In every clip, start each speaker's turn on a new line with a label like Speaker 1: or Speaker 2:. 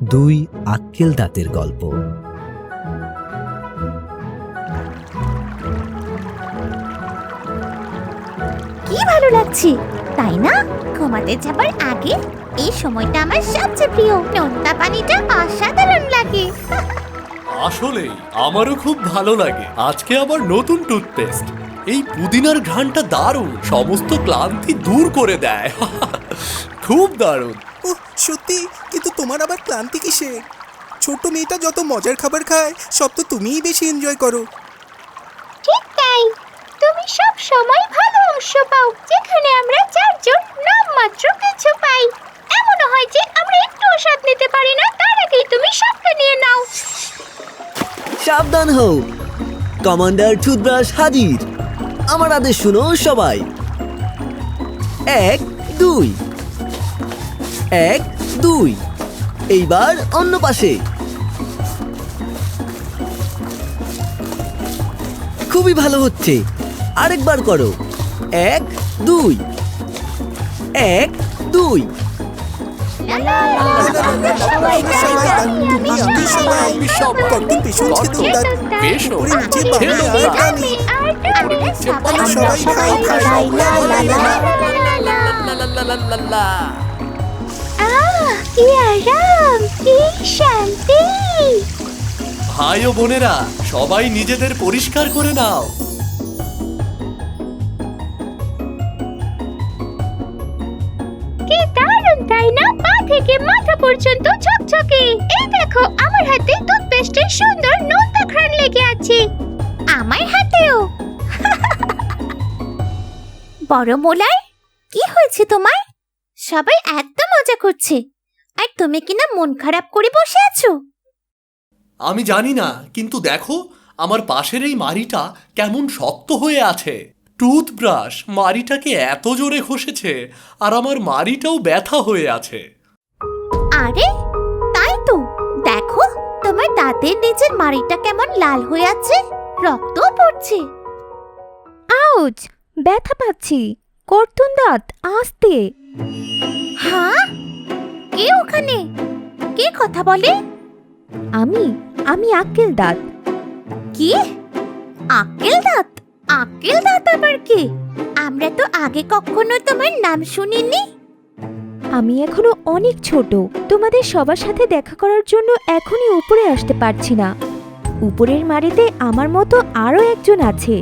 Speaker 1: দুই আক্কেল দাঁতের গল্প।
Speaker 2: কি ভালো লাগছে তাই না? ঘুমাতে যাবার আগে এই সময়টা আমার সবচেয়ে প্রিয়। নোনতা পানিটা অসাধারণ লাগে।
Speaker 3: আসলেই আমারও খুব ভালো লাগে। আজকে আবার নতুন টুথপেস্ট। এই পুদিনার ঘ্রাণটা দারুণ, সমস্ত ক্লান্তি দূর করে দেয়। খুব দারুণ।
Speaker 4: ওহ সত্যি, কিন্তু তোমার আবার ক্লান্তি কিসের? ছোট মেয়েটা যত মজার খাবার খায় সব তো তুমিই বেশি এনজয় করো।
Speaker 2: ঠিক তাই, তুমি সব সময় ভালো অংশ পাও যেখানে আমরা চারজন নামমাত্র কিছু পাই। এমনও হয় যে আমরা একটু স্বাদ নিতে পারি না, তার আগেই তুমি সবটা নিয়ে নাও।
Speaker 5: সাবধান হও, কমান্ডার টুথব্রাশ হাজির। আমার আদেশ শুনো সবাই। 1 2 1 2। এইবার অন্য পাশে। খুবই ভালো হচ্ছে, আরেকবার করো। 1 2 1 2।
Speaker 3: ভাই ও বোনেরা, সবাই নিজেদের পরিষ্কার করে নাও।
Speaker 2: কি দারুণ তাই না? পা থেকে মাথা পর্যন্ত ঝকঝকে। এই দেখো, আমার হাতে টুথপেস্টের সুন্দর নোনতা ঘ্রাণ লেগে আছে। আমার হাতেও। বড় মোলাই, কি হয়েছে তোমার? সবাই একদম মজা করছে, আর তুমি কিনা মন খারাপ করে বসে আছো।
Speaker 3: আমি জানি না, কিন্তু দেখো আমার পাশের এই মাড়িটা কেমন শক্ত হয়ে আছে। টুথব্রাশ মাড়িটাকে এত জোরে ঘষেছে, আর আমার মাড়িটাও ব্যথা হয়ে আছে।
Speaker 2: আরে তাই তো, দেখো তোমার দাঁতের নিচের মাড়িটা কেমন লাল হয়ে আছে, রক্তও পড়ছে।
Speaker 6: আউচ, ব্যথা পাচ্ছি। কর্তুন দাঁত, আস্তে।
Speaker 2: হ্যাঁ, কে ওখানে? কে কথা বলে?
Speaker 6: আমি আক্কেল দাঁত।
Speaker 2: কি? আক্কেল দাঁত? আক্কেল দাঁত আবার কে? আমরা তো আগে কখনো তোমার নাম শুনিনি।
Speaker 6: আমি এখনো অনেক ছোট, তোমাদের সবার সাথে দেখা করার জন্য এখনই উপরে আসতে পারছি না। উপরের মাড়িতে আমার মতো আরো একজন আছে।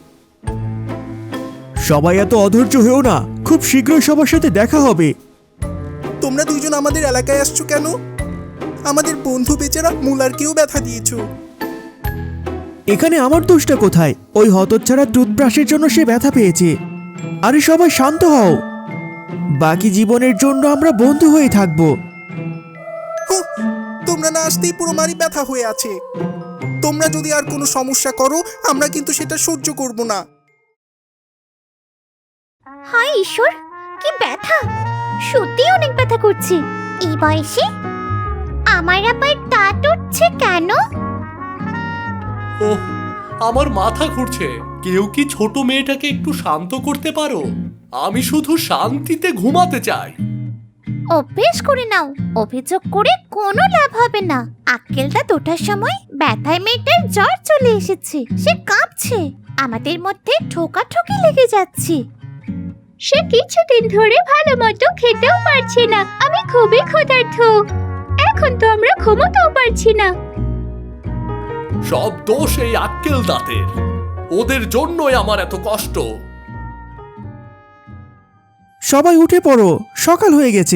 Speaker 7: সবাই এত অধৈর্য হয়েও না, খুব শীঘ্রই সবার সাথে দেখা হবে।
Speaker 4: তোমরা দুইজন আমাদের এলাকায় আসছো কেন? আমাদের বন্ধু বেচারা মুলারকেও ব্যথা দিয়েছো।
Speaker 7: এখানে আমার দোষটা কোথায়? ওই হতচ্ছাড়া টুথব্রাশের জন্য সে ব্যথা পেয়েছে। আরে সবাই শান্ত হও, বাকি জীবনের জন্য আমরা বন্ধু হয়ে থাকবো।
Speaker 4: হুঁ, তোমরা না আসতেই পুরো মারি ব্যথা হয়ে আছে। তোমরা যদি আর কোনো সমস্যা করো, আমরা কিন্তু সেটা সহ্য করব না।
Speaker 2: হায় ঈশ্বর, কি ব্যথা! সত্যি অনেক ব্যথা করছে। এই বয়সে আমার আবার দাঁত উঠছে কেন?
Speaker 3: ওহ, আমার মাথা ঘুরছে। কেউ কি ছোট মেয়েটাকে একটু শান্ত করতে পারো? আমি শুধু শান্তিতে ঘুমাতে চাই।
Speaker 2: অভ্যেস করে নাও, অভিযোগ করে কোনো লাভ হবে না। আক্কেল দাঁত ওঠার সময় ব্যথায় মেয়েটার জ্বর চলে এসেছে, সে কাঁপছে। আমাদের মধ্যে ঠোকাঠুকি লেগে যাচ্ছে। সে কিছুদিন ধরে ভালো মতো খেতেও পারছে না। আমি খুবই ক্ষুধার্ত, এখন তো আমরা ঘুমোতেও পারছি না।
Speaker 3: সব দোষ এই আক্কেল দাঁতের। ওদের জন্যই আমার এত কষ্ট।
Speaker 7: সবাই উঠে পড়ো, সকাল হয়ে গেছে।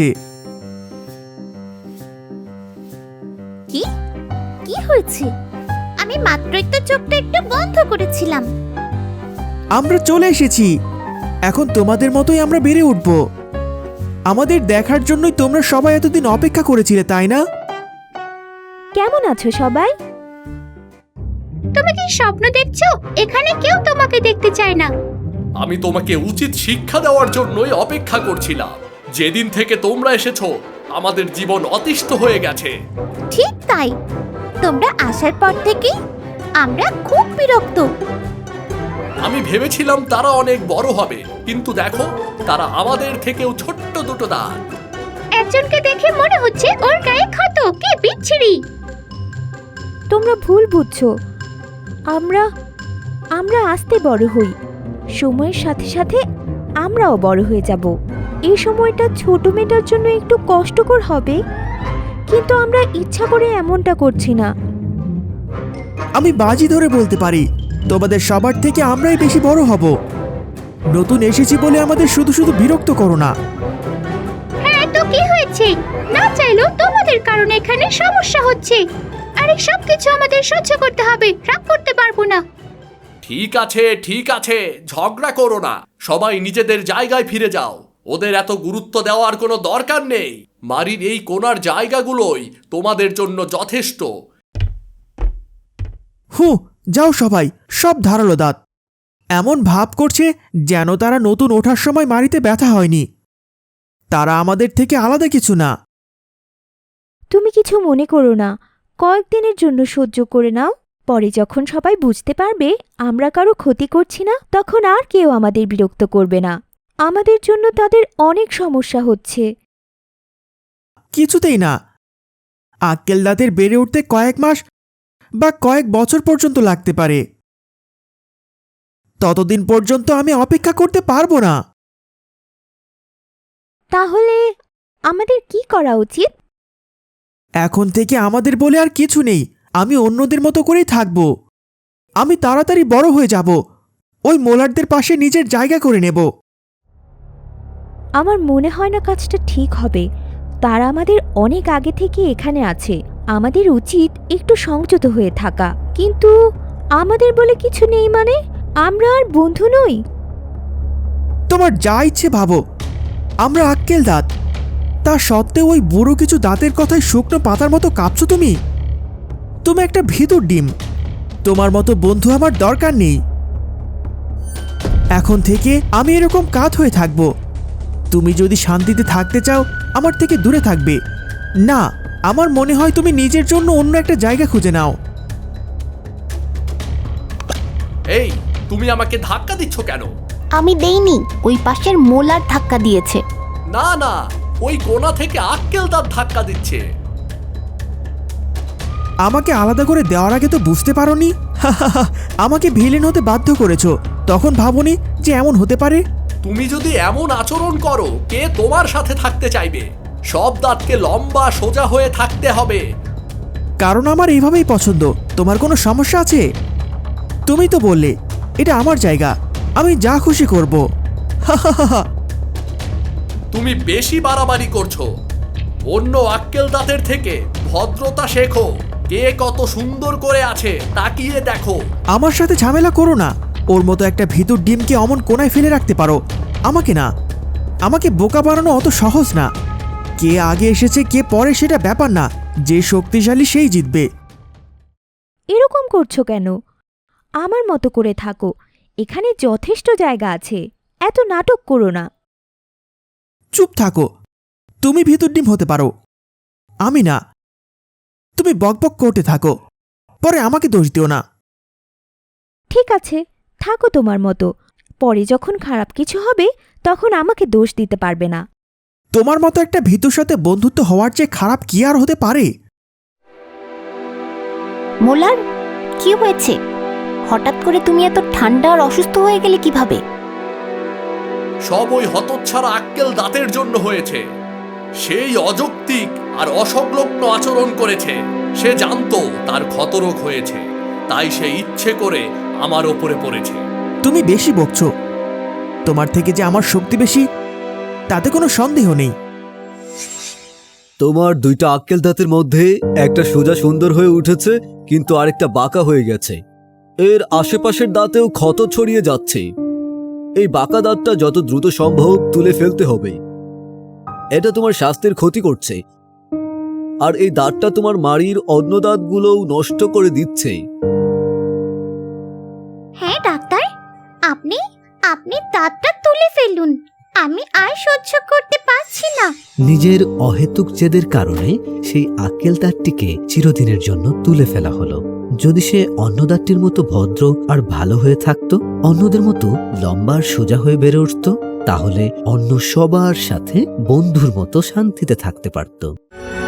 Speaker 2: কি কি হয়েছে? আমি মাত্রই তো চোখটা একটু বন্ধ করেছিলাম।
Speaker 7: আমরা চলে এসেছি, এখন তোমাদের মতোই আমরা বেড়ে উঠব। আমাদের দেখার জন্যই তোমরা সবাই এতদিন অপেক্ষা করেছিলে, তাই না?
Speaker 6: কেমন আছো সবাই?
Speaker 2: তুমি কি স্বপ্ন দেখছো? এখানে কেউ তোমাকে দেখতে চায় না।
Speaker 3: আমি তোমাকে উচিত শিক্ষা দেওয়ার জন্যই অপেক্ষা করছিলাম। যেদিন থেকে তোমরা এসেছো, আমাদের জীবন অতিষ্ঠ হয়ে গেছে।
Speaker 2: ঠিক তাই, তোমরা আসার পর থেকে আমরা খুব বিরক্ত।
Speaker 3: আমি ভেবেছিলাম তারা অনেক বড় হবে, কিন্তু দেখো তারা আমাদের থেকেও ছোট্ট দুটো দাঁত।
Speaker 2: একজনকে দেখে মনে হচ্ছে ওর গায়ে ক্ষত, কি বিচ্ছিরি।
Speaker 6: তোমরা ভুল বুঝছো। আমরা আমরা আস্তে বড় হই, সময়ের সাথে সাথে আমরাও বড় হয়ে যাব। এই সময়টা ছোট মেয়েটার জন্য একটু কষ্টকর হবে, কিন্তু আমরা ইচ্ছা করে এমনটা করছি না।
Speaker 7: আমি বাজি ধরে বলতে পারি তোমাদের সবার থেকে আমরাই বেশি বড় হব। নতুন এসেছি বলে আমাদের শুধু শুধু বিরক্ত করো না।
Speaker 2: হ্যাঁ তো কি হয়েছে, না চাইলেও তোমাদের কারণে এখানে সমস্যা হচ্ছে, আর এই সব কিছু আমাদের সহ্য করতে হবে, রাগ করতে পারবো না।
Speaker 3: ঠিক আছে, ঝগড়া করো না, সবাই নিজেদের জায়গায় ফিরে যাও। ওদের এত গুরুত্ব দেওয়ার কোনো দরকার নেই। মারির এই কোণার জায়গাগুলোই তোমাদের জন্য যথেষ্ট।
Speaker 7: যাও সবাই, সব ধারালো দাঁত। এমন ভাব করছে যেন তারা নতুন ওঠার সময় মারিতে ব্যথা হয়নি। তারা আমাদের থেকে আলাদা কিছু না।
Speaker 6: তুমি কিছু মনে করো না, কয়েকদিনের জন্য সহ্য করে নাও। পরে যখন সবাই বুঝতে পারবে আমরা কারো ক্ষতি করছি না, তখন আর কেউ আমাদের বিরক্ত করবে না। আমাদের জন্য তাদের অনেক সমস্যা হচ্ছে।
Speaker 7: কিছুতেই না। আক্কেল দাঁতের বেড়ে উঠতে কয়েক মাস বা কয়েক বছর পর্যন্ত লাগতে পারে। ততদিন পর্যন্ত আমি অপেক্ষা করতে পারবো না।
Speaker 6: তাহলে আমাদের কি করা উচিত?
Speaker 7: এখন থেকে আমাদের বলে আর কিছু নেই। আমি অন্যদের মতো করেই থাকব। আমি তাড়াতাড়ি বড় হয়ে যাব, ওই মোলারদের পাশে নিজের জায়গা করে নেব।
Speaker 6: আমার মনে হয় না কাজটা ঠিক হবে। তারা আমাদের অনেক আগে থেকে এখানে আছে। আমাদের উচিত একটু সংযত হয়ে থাকা। কিন্তু আমাদের বলে কিছু নেই মানে? আমরা আর বন্ধু নই?
Speaker 7: তোমার যা ইচ্ছে ভাবো, আমরা আক্কেল দাঁত। তা সত্ত্বেও ওই বুড়ো কিছু দাঁতের কথায় শুকনো পাতার মতো কাঁপছো তুমি। তুমি একটা ভিতর ডিম। তোমার মতো বন্ধু আমার দরকার নেই। এখন থেকে আমি এরকম কাত হয়ে থাকব। তুমি যদি শান্তিতে থাকতে চাও আমার থেকে দূরে থাকবে। না, আমার মনে হয় তুমি নিজের জন্য অন্য একটা জায়গা খুঁজে নাও।
Speaker 3: এই, তুমি আমাকে ধাক্কা দিচ্ছ কেন?
Speaker 2: আমি দেইনি, ওই পাশের মোলার ধাক্কা দিয়েছে।
Speaker 3: না, ওই কোণা থেকে আক্কেল দাঁত ধাক্কা দিচ্ছে।
Speaker 7: আমাকে আলাদা করে দেওয়ার আগে তো বুঝতে পারোনি। আমাকে ভিলেন হতে বাধ্য করেছো, তখন ভাবনি যে এমন হতে পারে।
Speaker 3: তুমি যদি এমন আচরণ করো, কে তোমার সাথে থাকতে চাইবে? সব দাঁতকে লম্বা সোজা হয়ে থাকতে হবে।
Speaker 7: কারণ আমার এইভাবেই পছন্দ। তোমার কোনো সমস্যা আছে? তুমি তো বললে এটা আমার জায়গা, আমি যা খুশি করব।
Speaker 3: তুমি বেশি বাড়াবাড়ি করছো। অন্য আক্কেল দাঁতের থেকে ভদ্রতা শেখো। কে কত সুন্দর করে আছে তাকিয়ে দেখো।
Speaker 7: আমার সাথে ঝামেলা করো না। ওর মতো একটা ভিতর ডিমকে অমন কোনায় ফেলে রাখতে পারো, আমাকে না। আমাকে বোকা বানানো অত সহজ না। কে আগে এসেছে কে পরে সেটা ব্যাপার না, যে শক্তিশালী সেই জিতবে।
Speaker 6: এরকম করছো কেন? আমার মতো করে থাকো, এখানে যথেষ্ট জায়গা আছে। এত নাটক করো না।
Speaker 7: চুপ থাকো। তুমি ভিতর ডিম হতে পারো, আমি না। তুমি বকবক করতে থাকো, পরে আমাকে দোষ দিও না।
Speaker 6: ঠিক আছে, থাকো তোমার মতো। পরে যখন খারাপ কিছু হবে তখন আমাকে দোষ দিতে পারবে না।
Speaker 7: তোমার মতো একটা ভীতুর সাথে বন্ধুত্ব হওয়ার চেয়ে খারাপ কি আর হতে পারে?
Speaker 2: মোলার, কি হয়েছে? হঠাৎ করে তুমি এত ঠান্ডা আর অসুস্থ হয়ে গেলে কিভাবে?
Speaker 3: সব ওই হতচ্ছাড়া আক্কেল দাঁতের জন্য হয়েছে। সেই অযৌক্তিক আর অসংলগ্ন আচরণ করেছে। সে জানতো তার ক্ষতরোগ হয়েছে, তাই সে ইচ্ছে করে আমার ওপরে পড়েছে।
Speaker 7: তুমি বেশি বকছো। তোমার থেকে যে আমার শক্তি বেশি তাতে কোনো সন্দেহ নেই।
Speaker 5: তোমার দুইটা আক্কেল দাঁতের মধ্যে একটা সোজা সুন্দর হয়ে উঠেছে, কিন্তু আরেকটা বাঁকা হয়ে গেছে। এর আশেপাশের দাঁতেও ক্ষত ছড়িয়ে যাচ্ছে। এই বাঁকা দাঁতটা যত দ্রুত সম্ভব তুলে ফেলতে হবে। এটা তোমার স্বাস্থ্যের ক্ষতি করছে, আর এই দাঁতটা তোমার মাড়ির অন্য দাঁতগুলোও নষ্ট করে দিচ্ছে।
Speaker 2: হ্যাঁ ডাক্তার, আপনি আপনি দাঁতটা তুলে ফেলুন। আমি আর সহ্য করতে পারছি না।
Speaker 1: নিজের অহেতুক জেদের কারণে সেই আক্কেল দাঁতটিকে চিরদিনের জন্য তুলে ফেলা হলো। যদি সে অন্য দাঁতটির মতো ভদ্র আর ভালো হয়ে থাকতো, অন্যদের মতো লম্বা আর সোজা হয়ে বেড়ে উঠত, তাহলে অন্য সবার সাথে বন্ধুর মতো শান্তিতে থাকতে পারত।